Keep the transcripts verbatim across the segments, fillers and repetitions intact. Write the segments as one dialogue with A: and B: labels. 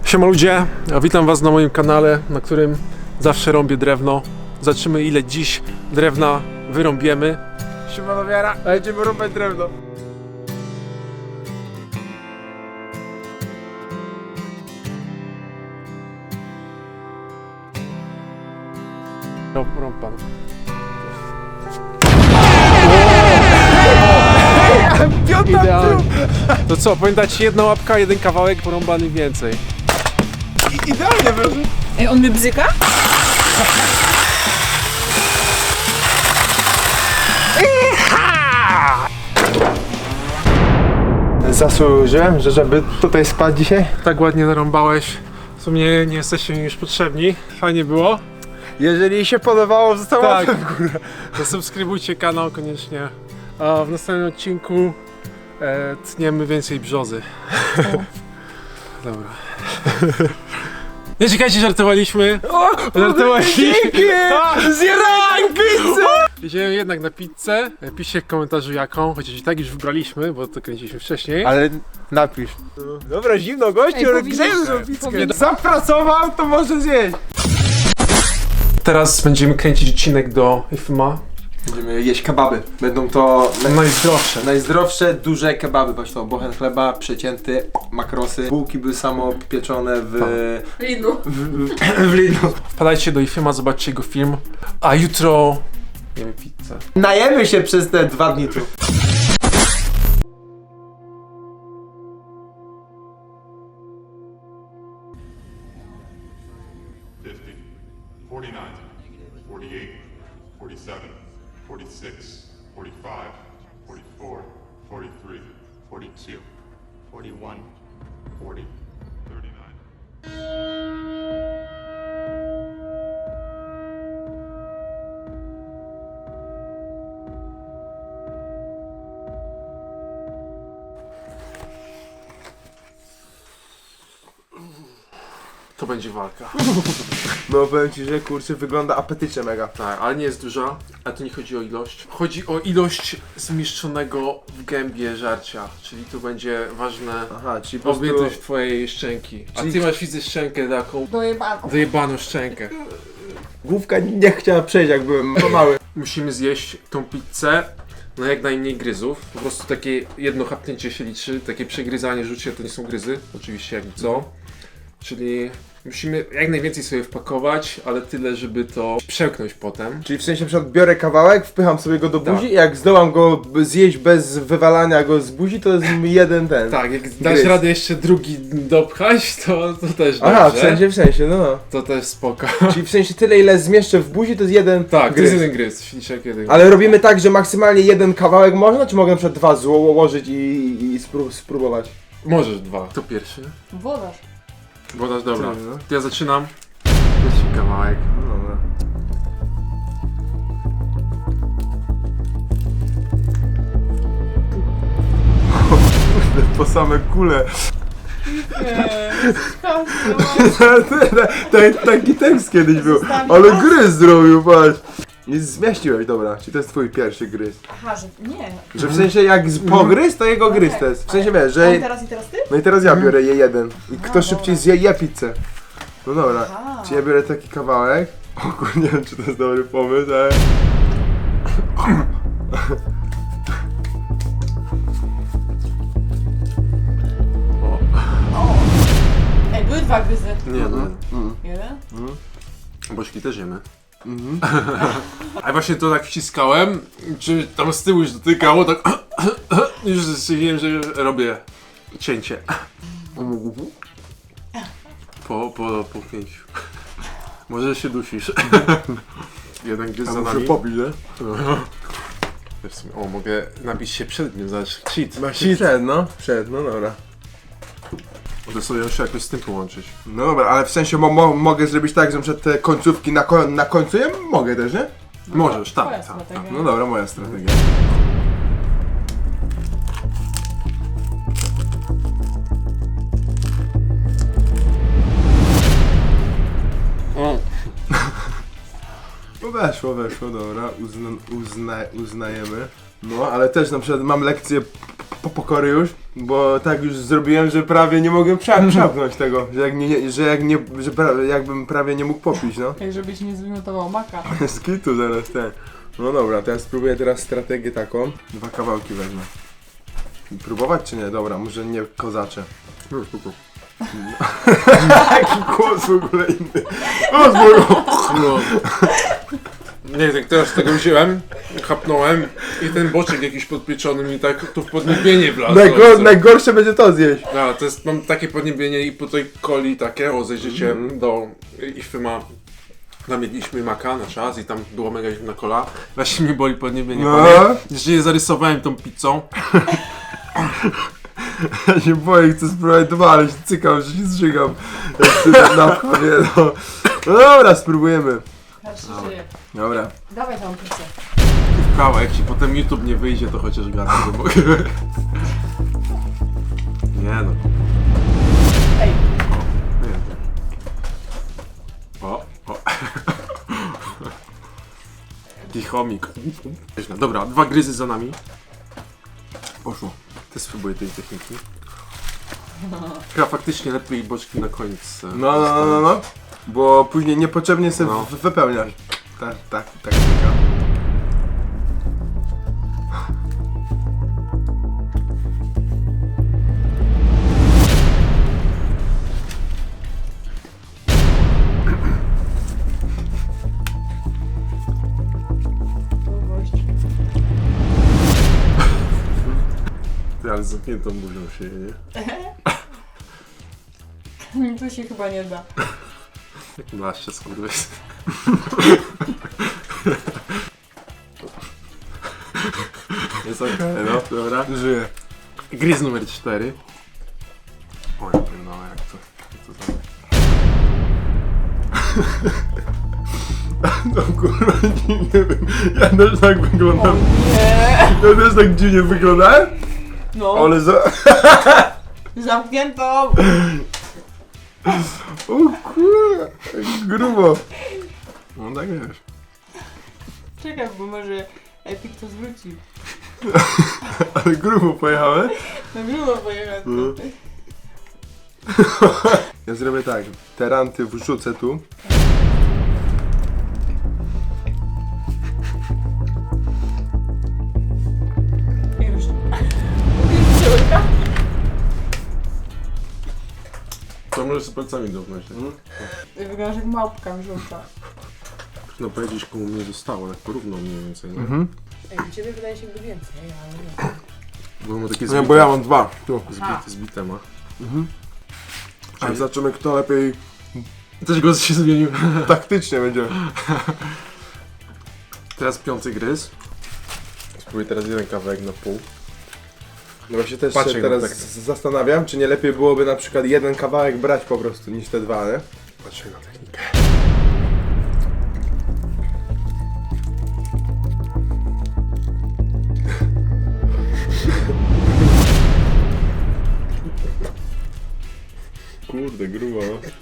A: Siema ludzie, ja witam was na moim kanale, na którym zawsze rąbię drewno. Zobaczymy ile dziś drewna wyrąbiemy.
B: Siemano wiara, będziemy rąbać drewno.
A: Rąb, rąb pan.
B: Piąta
A: Idealnie. To co, powiem dać jedna łapka, jeden kawałek, porąbany więcej.
B: I, idealnie wyszło.
C: Ej, on mnie bzyka?
B: Zasłużyłem, że żeby tutaj spać dzisiaj?
A: Tak ładnie narąbałeś. W sumie nie jesteście mi już potrzebni. Fajnie było.
B: Jeżeli się podobało, zostało
A: Tak.
B: łapkę w górę.
A: Zasubskrybujcie kanał koniecznie. A w następnym odcinku e, tniemy więcej brzozy. Dobra. Nie czekajcie, żartowaliśmy. Żartowaliśmy.
B: Zjadłem pizzę!
A: Idziemy jednak na pizzę. Piszcie w komentarzu jaką, chociaż i tak już wybraliśmy, bo to kręciliśmy wcześniej.
B: Ale napisz. Dobra, zimno gościu,
C: Ej,
B: ale
C: powinieneś-
B: grzejmy tą pizzkę.
C: powinieneś-
B: Zapracował, to może zjeść.
A: Teraz będziemy kręcić odcinek do F M A.
B: Będziemy jeść kebaby. Będą to naj...
A: Najzdrowsze.
B: najzdrowsze, duże kebaby. Patrz to, bochen chleba, przecięty, makrosy. Bułki były samo pieczone w...
C: Lidlu.
B: w, w, w Lidlu.
A: Wpadajcie do F M A, zobaczcie jego film. A jutro jemy pizzę.
B: Najemy się przez te dwa dni tu.
D: fifty, forty-nine, forty-eight, forty-seven, forty-six, forty-five, forty-four, forty-three, forty-two, forty-one, forty, thirty-nine.
A: To będzie walka.
B: No powiem ci, że kurczę wygląda apetycznie mega.
A: Tak, ale nie jest duża, ale to nie chodzi o ilość. Chodzi o ilość zmieszczonego w gębie żarcia, czyli tu będzie ważne
B: Aha, czyli po prostu...
A: objętość twojej szczęki. A
B: Czyli-
A: ty masz, widzę, szczękę taką
C: Dojebano.
A: dojebaną szczękę.
B: Główka nie chciała przejść jak byłem mały.
A: Musimy zjeść tą pizzę na jak najmniej gryzów. Po prostu takie jedno chapnięcie się liczy, takie przegryzanie, rzucie to nie są gryzy, oczywiście jak co. Czyli musimy jak najwięcej sobie wpakować, ale tyle, żeby to przełknąć potem.
B: Czyli w sensie na przykład biorę kawałek, wpycham sobie go do
A: Tak.
B: buzi i jak zdołam go b- zjeść bez wywalania go z buzi, to jest jeden ten.
A: Tak, jak dasz
B: Gryz.
A: radę jeszcze drugi dopchać, to, to też
B: Aha,
A: dobrze.
B: w sensie, w sensie, no no.
A: To też spoko.
B: Czyli w sensie tyle ile zmieszczę w buzi, to jest jeden
A: Tak, to
B: gryz.
A: jest jeden gryz, śliczek jeden.
B: Ale robimy tak, że maksymalnie jeden kawałek można, czy mogę na przykład dwa złożyć i, i spró- spróbować?
A: Możesz dwa. Kto pierwszy?
C: Wodarz.
A: Wodasz, dobra.
B: Ty, no.
A: To ja zaczynam. Pierwszy kawałek.
B: No dobra. Po same kule. Tak, taki tekst kiedyś był, ale gryz zrobił, patrz. Nie zmieściłeś, dobra, czy to jest twój pierwszy gryz?
C: Aha, że nie.
B: Że w sensie jak z pogryz, to jego gryz to jest. W sensie wiesz, że...
C: On teraz i teraz ty?
B: No i teraz ja biorę je jeden. I kto
C: A,
B: szybciej
C: dobra.
B: zje, je pizzę. No dobra,
C: Aha.
B: czy ja biorę taki kawałek? O kur, nie wiem czy to jest dobry pomysł, ale...
C: Ej, były dwa gryzy.
A: Nie, no.
C: Jeden?
A: Boczki też jemy. A właśnie to tak wciskałem, czy tam z tyłu już dotykało, tak już stwierdziłem, że robię cięcie. Po, po, po pięciu. Może się dusisz. Jeden gryz za nami.
B: popić, nie?
A: W sumie- O, mogę nabić się przed nim, zobacz, cheat.
B: Przed, no. Przed, no dobra.
A: Mogę sobie jeszcze jakoś z tym połączyć.
B: No dobra, ale w sensie mo mo mogę zrobić tak, że przed te końcówki na, ko na końcu je mogę też, nie?
A: Możesz,
C: Twoja
A: tak, tak, tak.
C: strategia.
B: No dobra, moja strategia.
A: O,
B: No weszło, weszło, dobra, uzna uzna uznajemy. No, ale też na przykład mam lekcję po pokory już, bo tak już zrobiłem, że prawie nie mogłem prze- przełknąć tego, że jak nie, nie, że jak nie, że pra- jakbym prawie nie mógł popić, no.
C: Ej, żebyś nie zwymiotował maka.
B: Z kitu zaraz ten. No dobra, to ja spróbuję teraz strategię taką. Dwa kawałki wezmę. Próbować czy nie? Dobra, może nie kozacze.
A: No, spoko.
B: Jaki głos w ogóle inny. O, zboru!
A: No. Nie, jak teraz tego wziąłem, chapnąłem i ten boczek jakiś podpieczony mi tak tu w podniebienie wlazł.
B: Najgor- najgorsze będzie to zjeść.
A: No, to jest, mam takie podniebienie i po tej coli takie, o zejdziecie
B: Mhm.
A: do Ify ma, tam jedliśmy maka na czas i tam było mega zimna kola, właśnie mi boli podniebienie.
B: No.
A: No. Jeszcze je zarysowałem tą pizzą.
B: Ja się boję, chcę spróbować dwa, ale się cykam, że się zżygam. Jak sobie na wchodzie, no. No dobra, spróbujemy.
C: Patrz, się żyje.
B: Dobra.
C: Dawaj tą pizzę.
A: Kawa, jak ci potem YouTube nie wyjdzie, to chociaż gadam, że mogę. Nie no.
C: Ej,
A: Nie, nie. O, o. Taki chomik. Dobra, dwa gryzy za nami. Poszło. Ty spróbuj tej techniki. Chyba faktycznie lepiej boczki na koniec. e,
B: No, no, no, no, no. Bo później niepotrzebnie sobie
A: No.
B: w- wypełniasz. Tak, tak, tak. taka.
C: to gość.
A: Ty, ale z zamkniętą buzią się je, nie?
C: Tu się chyba nie da.
A: Dlaczego skurwys. Jest okej, no, dobra.
B: Żyję.
A: Gryz numer cztery. Oj, no jak to, jak to tam.
B: No kurwa, nie, nie wiem. Ja też tak
C: O
B: wyglądam.
C: nie!
B: Ja też tak dziwnie wyglądałem.
C: No,
B: Ale za...
C: zamkniętą!
B: O kurwa, jak grubo. No tak wiesz.
C: Czekaj, bo może Epic to zwróci.
B: Ale grubo pojechałem.
C: Na grubo pojechać.
B: No. Ja zrobię tak. Te ranty wrzucę tu.
C: I już. Córka?
A: To możesz z palcami dotknąć. tak?
C: Wyglądasz jak małpka wrzuca.
A: No powiedzieć komu mnie zostało, tak porówno mniej więcej, nie?
B: Mhm.
C: Ej, u ciebie wydaje się by więcej, ale nie.
A: Bo ma takie
B: Nie,
A: zbite,
B: bo ja mam dwa. Tu.
A: zbite, zbite ma.
B: A zobaczymy kto lepiej
A: Też głos się zmienił.
B: taktycznie będzie.
A: Teraz piąty gryz. Spróbuję teraz jeden kawałek na pół.
B: No właśnie też
A: Patrzę
B: się
A: na
B: teraz
A: tak-
B: z- zastanawiam, czy nie lepiej byłoby na przykład jeden kawałek brać po prostu niż te dwa, nie?
A: Patrzę na technikę.
B: Kurde, grubo.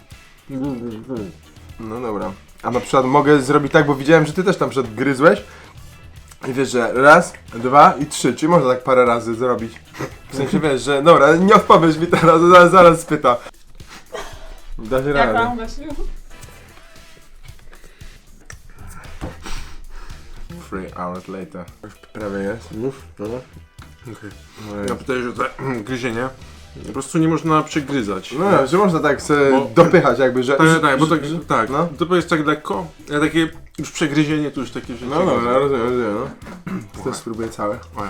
B: No dobra. A na przykład mogę zrobić tak, bo widziałem, że ty też tam przed gryzłeś. I wiesz, że raz, dwa i trzy, czyli można tak parę razy zrobić. W sensie wiesz, że dobra, nie odpowiesz mi teraz, zaraz, zaraz spyta. Da się
C: Jak
B: radę.
C: tam, Gasiu?
B: Three hours later. Już prawie jest.
A: Mów, no.
B: Okay.
A: Ja pytałem, że to gryzienie po prostu nie można przegryzać.
B: No, że można tak sobie
A: Bo-
B: dopychać jakby, że...
A: Tak,
B: że-
A: tak, bo tak,
B: że-
A: tak.
B: No.
A: To jest tak lekko, a takie już przegryzienie to już takie, że...
B: No dobra, rozumiem, rozumiem, no. To też spróbuję całe.
A: O, ja.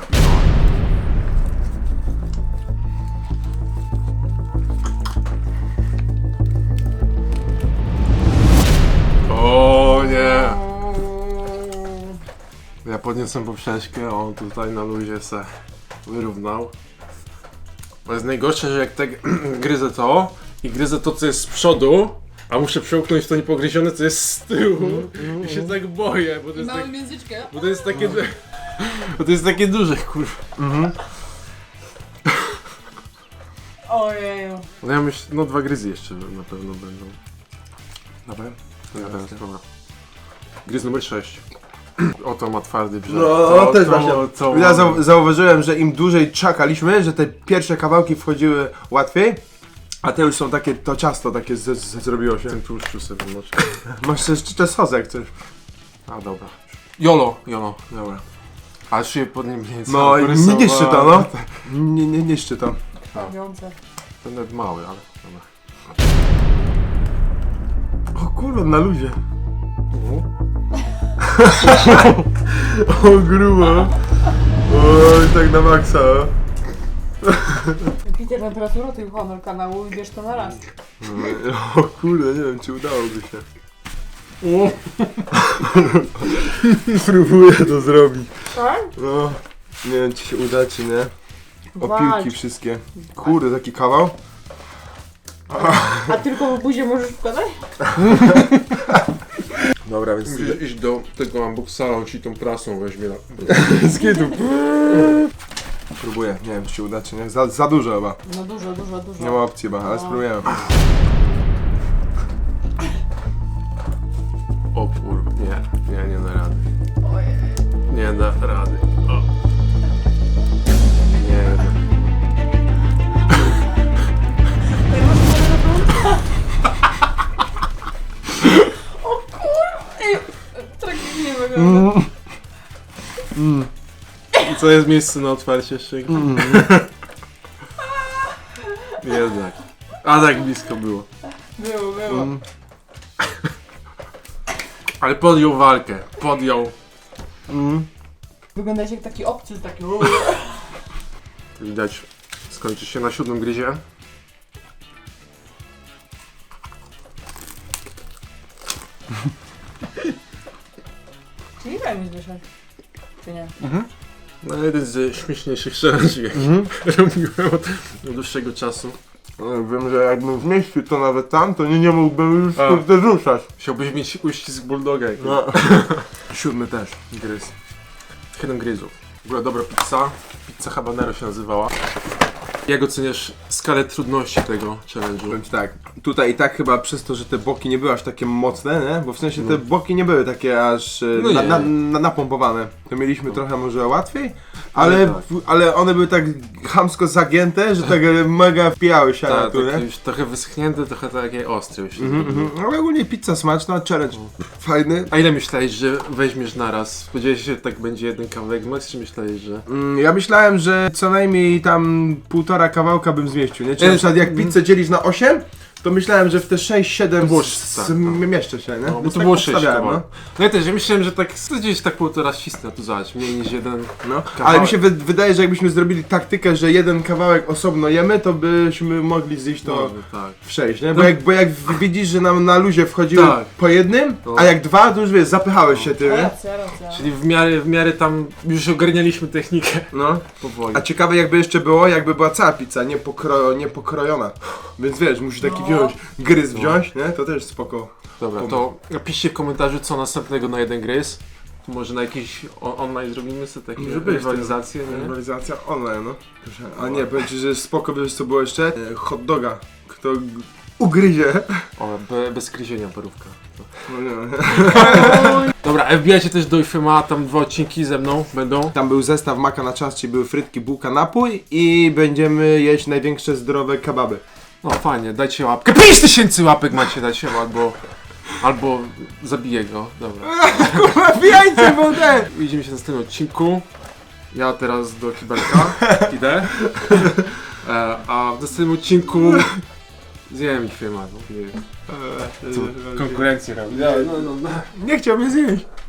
A: O nie! Ja podniosłem poprzeczkę, on tutaj na luzie se wyrównał. Bo jest najgorsze, że jak tak gryzę to i gryzę to, co jest z przodu, a muszę przełknąć to niepogryzione, co jest z tyłu i się tak boję, bo to jest, tak,
C: Małym języczkiem.
A: bo to jest takie... Bo to jest takie duże, kurwa.
C: Ojeju.
A: No ja myślę, no dwa gryzy jeszcze na pewno będą.
B: Dobra.
A: Ja teraz, dobra. Gryz numer sześć. Oto ma twardy brzeg.
B: No,
A: to,
B: też
A: to,
B: właśnie.
A: to
B: Ja zau zauważyłem, że im dłużej czekaliśmy, że te pierwsze kawałki wchodziły łatwiej, a te już są takie, to ciasto takie z, z, zrobiło się.
A: Ten tłuszczu sobie wymoczę.
B: Masz jeszcze sos jak coś.
A: A dobra. Jolo, jolo.
B: Dobra.
A: Aż się pod nim nie
B: No i nie niszczy to, no. Nie, nie niszczy to.
C: Krwawiące.
A: To nawet mały, ale dobra.
B: O kurwa, na luzie. O grubo. Oj, tak na maksa.
C: Peter, temperatura tej honor kanału i bierz to na raz.
B: O kurde, nie wiem czy udałoby się. Próbuję to zrobić.
C: Tak?
B: No, nie wiem czy się uda czy nie.
C: Walcz.
B: Opilki wszystkie. Kurde, taki kawał.
C: A tylko w buzie możesz wkładać?
B: Dobra, więc
A: Musisz iść do tego unboxera, on ci tą prasą weźmie. Na...
B: z kitu. Próbuję, nie wiem czy się uda czy nie. Za, za dużo chyba.
C: No dużo, dużo, dużo.
B: Nie ma opcji chyba, ale
C: No.
B: spróbujemy.
A: O kurwa, nie, nie, nie da rady.
C: Ojej.
A: Nie da rady. O. Nie da.
C: O kur... Ej, tragicznie wygląda.
A: I co jest miejsce na otwarcie szynki? Jednak. A tak blisko było.
C: Było, było.
A: Ale podjął walkę. Podjął.
B: Mm.
C: Wyglądasz jak taki obcy, taki...
A: Widać, skończy się na siódmym gryzie.
C: Czyli daj mi zwyszać. Czy nie?
A: No jeden z śmieszniejszych challenge, jaki robiłem od dłuższego czasu.
B: No, wiem, że jakbym zmieścił to nawet tam, to nie, nie mógłbym już
A: A.
B: kurde ruszać.
A: Chciałbyś mieć uścisk bulldoga jak
B: No. Siódmy też.
A: gryz. siedem gryzów. W ogóle dobra pizza. Pizza habanero się nazywała. Jak oceniasz skalę trudności tego challenge'u?
B: Powiem ci tak, tutaj i tak chyba przez to, że te boki nie były aż takie mocne, nie? Bo w sensie te
A: No.
B: boki nie były takie aż e,
A: No
B: na,
A: nie.
B: na, na, napompowane. To mieliśmy trochę może łatwiej, ale,
A: Ale tak.
B: w- ale one były tak chamsko zagięte, że tak e, mega wpijały się na
A: Tak,
B: tu, nie?
A: takie już trochę wyschnięte, trochę takie ostre już. się
B: Mhm,
A: zrobiło.
B: mhm. Ale ogólnie pizza smaczna, challenge fajny.
A: A ile myślałeś, że weźmiesz naraz? Spodziewałeś się, że tak będzie jeden kawałek max, czy myślałeś, że...
B: Mm, Ja myślałem, że co najmniej tam półtora kawałka bym zmieścił, nie? Czy
A: E,
B: na przykład jak
A: mm.
B: pizzę dzielisz na osiem, to myślałem, że w te sześć siedem
A: było
B: s-
A: tak,
B: s-
A: no.
B: mieszczę się, nie?
A: No, bo
B: Więc
A: to
B: tak
A: było sześć
B: obstawiałem,
A: kawałków. No ja też, ja myślałem, że tak gdzieś tak półtora ścisnę, tu zobacz, mniej niż jeden
B: No,
A: kawałek.
B: ale mi się wy wydaje, że jakbyśmy zrobili taktykę, że jeden kawałek osobno jemy, to byśmy mogli zjeść to
A: Może, tak.
B: w sześć, nie? Bo
A: No.
B: jak, bo jak widzisz, że nam na luzie wchodziły
A: Tak.
B: po jednym,
A: No.
B: a jak dwa, to już wiesz, zapychałeś się ty, nie?
C: Racja, racja.
A: Czyli w miarę, w miarę tam już ogarnialiśmy technikę
B: No.
A: powoli.
B: A ciekawe jakby jeszcze było, jakby była cała pizza, nie, pokro nie pokrojona. Więc wiesz, musisz taki
C: No.
B: wziąć, gryz
A: No.
B: wziąć, nie? To też spoko.
A: Dobra, to napiszcie w komentarzu, co następnego na jeden gryz. To może na jakiś on online zrobimy sobie takie
B: Może być,
A: rywalizacje, nie?
B: Rywalizacja online, no. Proszę. A nie, powiem ci, że spoko, wiesz co było jeszcze? E, Hot doga. Kto g- ugryzie.
A: O, be, bez gryzienia parówka.
B: No nie.
A: Dobra, a wbijajcie też do Ifema, tam dwa odcinki ze mną będą.
B: Tam był zestaw maka na czas, czyli były frytki, bułka, napój i będziemy jeść największe zdrowe kebaby.
A: No fajnie, dajcie łapkę. pięć tysięcy łapek macie dać albo... Albo zabiję go, dobra.
B: Wbijajcie wodę!
A: Widzimy się w następnym odcinku. Ja teraz do kibelka idę. E, a w następnym odcinku zjem Ifema, no nie wiem. Co, konkurencję robi. No, no, no.
B: Nie chciał mnie zjeść.